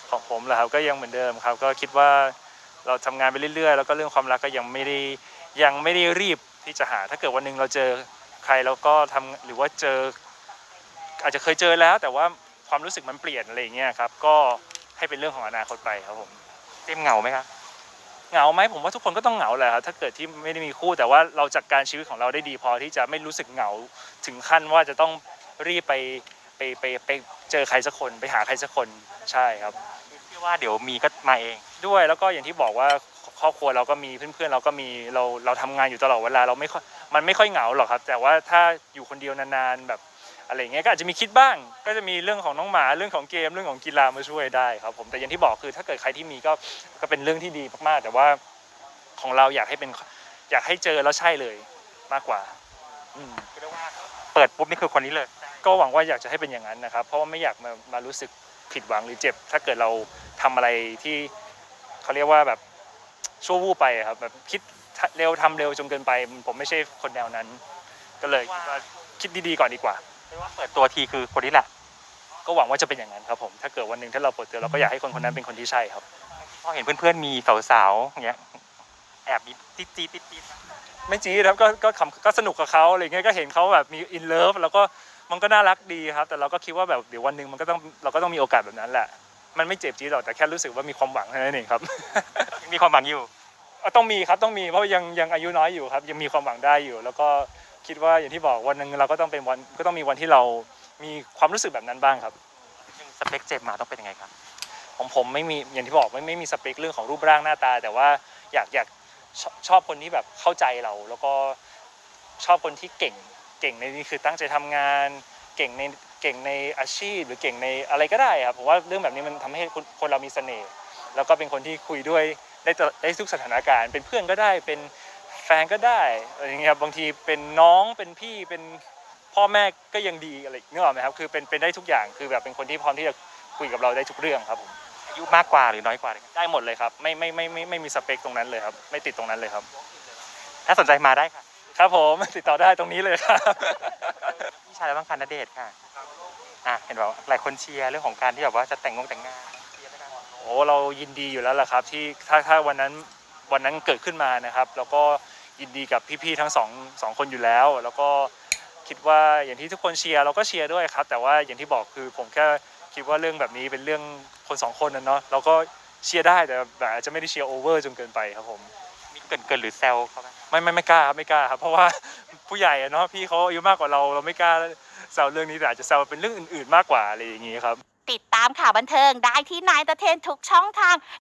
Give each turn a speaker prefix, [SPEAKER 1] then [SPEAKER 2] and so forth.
[SPEAKER 1] ของผมเหรอครับก็ยังเหมือนเดิมครับก็คิดว่าเราทำงานไปเรื่อยๆแล้วก็เรื่องความรักก็ยังไม่ได้รีบที่จะหาถ้าเกิดวันหนึ่งเราเจอใครแล้วก็ทำหรือว่าเจออาจจะเคยเจอแล้วแต่ว่าความรู้สึกมันเปลี่ยนอะไรอย่างเงี้ยครับก็ให้เป็นเรื่องของอนาคตไปครับผม
[SPEAKER 2] เจมส์เหงาไหมครับ
[SPEAKER 1] เหงาไหมผมว่าทุกคนก็ต้องเหงาแหละครับถ้าเกิดที่ไม่ได้มีคู่แต่ว่าเราจัดการชีวิตของเราได้ดีพอที่จะไม่รู้สึกเหงาถึงขั้นว่าจะต้องรีบไปเจอใครสักคนไปหาใครสักคนใช่ครับ
[SPEAKER 2] เชื่อว่าเดี๋ยวมีก็มาเอง
[SPEAKER 1] ด้วยแล้วก็อย่างที่บอกว่าครอบครัวเราก็มีเพื่อนๆเราก็มีเราทำงานอยู่ตลอดเวลาเราไม่ค่อยมันไม่ค่อยเหงาหรอกครับแต่ว่าถ้าอยู่คนเดียวนานๆแบบอะไรอย่างเงี้ยก็อาจจะมีคิดบ้างก็จะมีเรื่องของน้องหมาเรื่องของเกมเรื่องของกีฬามาช่วยได้ครับผมแต่อย่างที่บอกคือถ้าเกิดใครที่มีก็เป็นเรื่องที่ดีมากๆแต่ว่าของเราอยากให้เจอแล้วใช่เลยมากกว่าอืม
[SPEAKER 2] คือเรียกว่าเปิดปุ๊บนี่คือคนนี้เลย
[SPEAKER 1] ก็หวังว่าอยากจะให้เป็นอย่างนั้นนะครับเพราะว่าไม่อยากมารู้สึกผิดหวังหรือเจ็บถ้าเกิดเราทำอะไรที่เขาเรียกว่าแบบชั่ววูบไปครับแบบคิดเร็วทำเร็วจนเกินไปผมไม่ใช่คนแนวนั้นก็เลยคิดว่าคิดดีๆก่อนดีกว่า
[SPEAKER 2] เรียกว่าเปิดตัวทีคือคนนี้แหละ
[SPEAKER 1] ก็หวังว่าจะเป็นอย่างนั้นครับผมถ้าเกิดวันหนึ่งถ้าเราเปิดตัวเราก็อยากให้คนคนนั้นเป็นคนที่ใช่ครับ
[SPEAKER 2] พอเห็นเพื่อนๆมีสาวๆอย่างเงี้ยแอบมีติ๊ดๆติ๊ดๆนะ
[SPEAKER 1] ไม่จี๊ดครับก็ขำก็สนุกกับเขาอะไรเงี้ยก็เห็นเขาแบบมีอินเลิฟแล้วก็มันก็น่ารักดีครับแต่เราก็คิดว่าแบบเดี๋ยววันหนึ่งเราก็ต้องมีโอกาสแบบนั้นแหละมันไม่เจ็บจี๊ดหรอกแต่แค่รู้สึกว่ามีความหวังเท่านั้นเองครับ
[SPEAKER 2] ยังมีความหวังอยู่
[SPEAKER 1] ต้องมีครับต้องมีเพราะยังอายุน้อยอยู่ครับยังมีความหวังได้อยู่แล้วก็คิดว่าอย่างที่บอกวันหนึ่งเราก็ต้องเป็นวันก็ต้องมีวันที่เรามีความรู้สึกแบบนั้นบ้างครับ
[SPEAKER 2] ยังสเปคเจมส์มาต้องเป็นยังไงครับ
[SPEAKER 1] ของผมไม่มีอย่างที่บอกไม่มีสเปคเรื่องของรูปร่างหน้าตาแต่ว่าอยากชอบคนที่แบบเข้าใจเราแล้วก็ชอบคนที่เก่งในนี้คือตั้งใจทำงานเก่งในเก่งในอาชีพหรือเก่งในอะไรก็ได้ครับผมว่าเรื่องแบบนี้มันทำให้คนเรามีเสน่ห์แล้วก็เป็นคนที่คุยด้วยได้ทุกสถานการณ์เป็นเพื่อนก็ได้เป็นแฟนก็ได้อะไรอย่างเงี้ยครับบางทีเป็นน้องเป็นพี่เป็นพ่อแม่ก็ยังดีอะไรนึกออกไหมครับคือเป็นได้ทุกอย่างคือแบบเป็นคนที่พร้อมที่จะคุยกับเราได้ทุกเรื่องครับผม
[SPEAKER 2] อายุมากกว่าหรือน้อยกว่าเลยครับ
[SPEAKER 1] ได้หมดเลยครับไม่มีสเปคตรงนั้นเลยครับไม่ติดตรงนั้นเลยครับ
[SPEAKER 2] ถ้าสนใจมาได้ค่ะ
[SPEAKER 1] ครับผมติดต่อได้ตรงนี้เลยครับ
[SPEAKER 2] พี่ชายแล้วบ้างค่ะณเดชน์ค่ะเห็นแบบหลายคนเชียร์เรื่องของการที่แบบว่าจะแต่งงานเชียร์ไหมครับ
[SPEAKER 1] โอ้เรายินดีอยู่แล้วล่ะครับที่ถ้าวันนั้นเกิดขึ้นมานะครับแล้วก็ยินดีกับพี่ๆทั้งสองคนอยู่แล้วแล้วก็คิดว่าอย่างที่ทุกคนเชียร์เราก็เชียร์ด้วยครับแต่ว่าอย่างที่บอกคือผมแค่คิดว่าเรื่องแบบนี้เป็นเรื่องคนสองคนนะเนาะเราก็เชียร์ได้แต่อาจจะไม่ได้เชียร์โอเวอร์จนเกินไปครับผม
[SPEAKER 2] มีเกินหรือแซวเขาไหม
[SPEAKER 1] ไม่กล้าครับไม่กล้าครับเพราะว่าผู้ใหญ่อะเนาะพี่เขาอายุมากกว่าเราไม่กล้าแซวเรื่องนี้แต่อาจจะแซวเป็นเรื่องอื่นๆมากกว่าอะไรอย่างงี้ครับ
[SPEAKER 3] ติดตามข่าวบันเทิงได้ที่นายตะเทนทุกช่องทาง